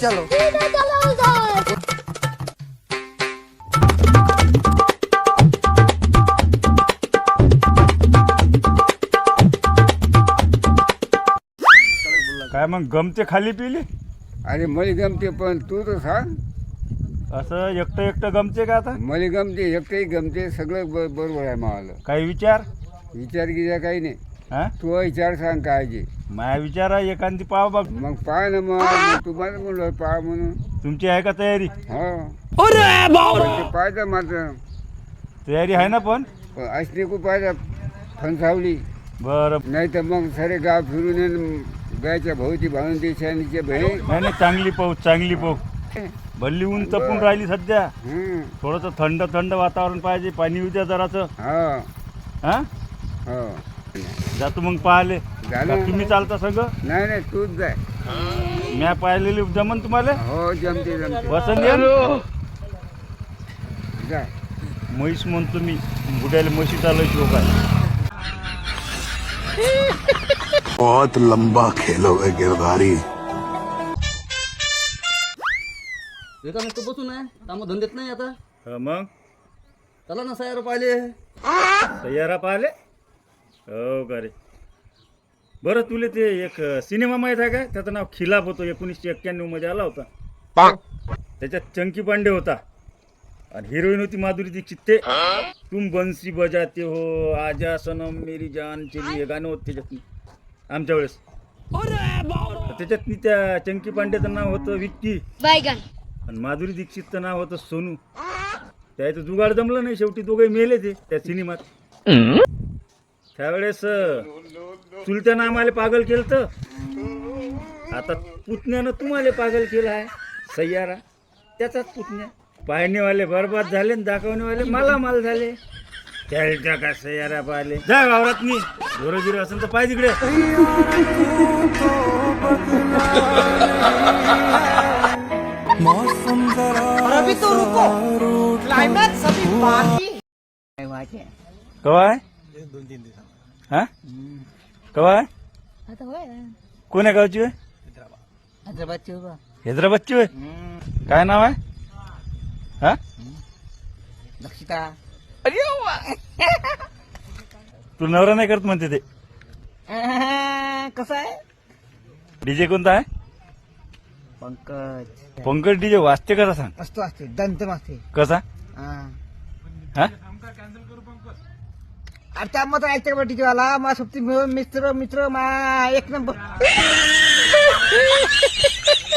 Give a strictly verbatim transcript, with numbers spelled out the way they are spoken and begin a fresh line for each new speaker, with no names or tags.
चलो
काय मग गमते खाली पिली
अरे मला गमते पण तू तर सांग.
असं एकटं एकटं गमते का आता
मला गमते एकटंही गमते सगळं ब बरोबर आहे मला.
काही विचार
विचार गिचार काही नाही.
हा
तू विचार सांग काय जे
माया विचार आहे एखादी पाव बघ
मग पाय ना मग मग तू मला म्हणलं पाय म्हणून.
तुमची आहे का तयारी
हो ते पाहिजे मात्र
तयारी आहे ना पण
पण असली खूप पाहिजे फणसावली
बरं
नाही तर मग सारे गाव फिरून येईन गायच्या भाऊची भावून देशानीचे बहीण.
नाही नाही चांगली पाऊस चांगली पाऊस भल्ली ऊन तपून राहिली सध्या
हं.
थोडंसं थंड थंड वातावरण पाहिजे पाणी उद्या जराचं
हो
हा
हो
जातो मग पाहिले
झालं.
का तुम्ही चालता सगळं
नाही नाही तूच जाय.
म्या पाहिलेली जमन तुम्हाला
हो जमते जमते
पसंत येईल
जाय.
म्हैस म्हणतो मी बुड्याला म्हशी चालवायची लोक आहे
बहुत लंबा खेलोगे गिरधारी.
एका नुसतं बसून आहे कामं धंदेत नाही आता.
हा, मग
चला ना सयार पाहिले.
तयारा पाहिले हो का रे बरं तुले ते एक सिनेमा माहीत आहे का त्याचं नाव खिलाफ होतं एकोणीसशे एक्क्याण्णव मध्ये आला होता त्याच्यात चंकी पांडे होता आणि हिरोईन होती माधुरी दीक्षित. ते तुम बंसी बजाते हो आजा सनम मेरी जान चली हे गाणं होतं त्याच्यात आमच्या वेळेस. तर त्याच्यात त्या चंकी पांडेचं नाव होतं विक्की आणि माधुरी दीक्षितचं नाव होतं सोनू. त्याचं जुगाड जमलं नाही शेवटी दोघे मेले ते त्या सिनेमात. त्यावेळेस चुलत्यानं आम्हाला पागल केलं तर आता पुतण्यानं तुम्हाला पागल केलं आहे सय्यारा त्याचाच पुतण्या. पाहणेवाले बरबाद झाले आणि दाखवणेवाले मालामाल झाले. त्याच्या का सय्यारा पाहिले जा वावरात मी झोरगिरी असेल तर पाय तिकडे.
अभी तो रुको क्लाइमैक्स अभी बाकी है.
कवा आहे हा कवा आहे
आता होय
कोण्या गावची आहे
हैदराबादची बाबा.
हैदराबादची होय काय नाव आहे हा
लक्षिता
तू नवरा नाही करत म्हणते ते.
कसं आहे
डीजे कोणता आहे
पंकज
पंकज डीजे वाजते कसा सांग
असतो असते दंत असते.
कसा
हा
हा
अरे त्या मत ऐकते का टीचरवाला मा सोबती मित्र मित्र मा एक नंबर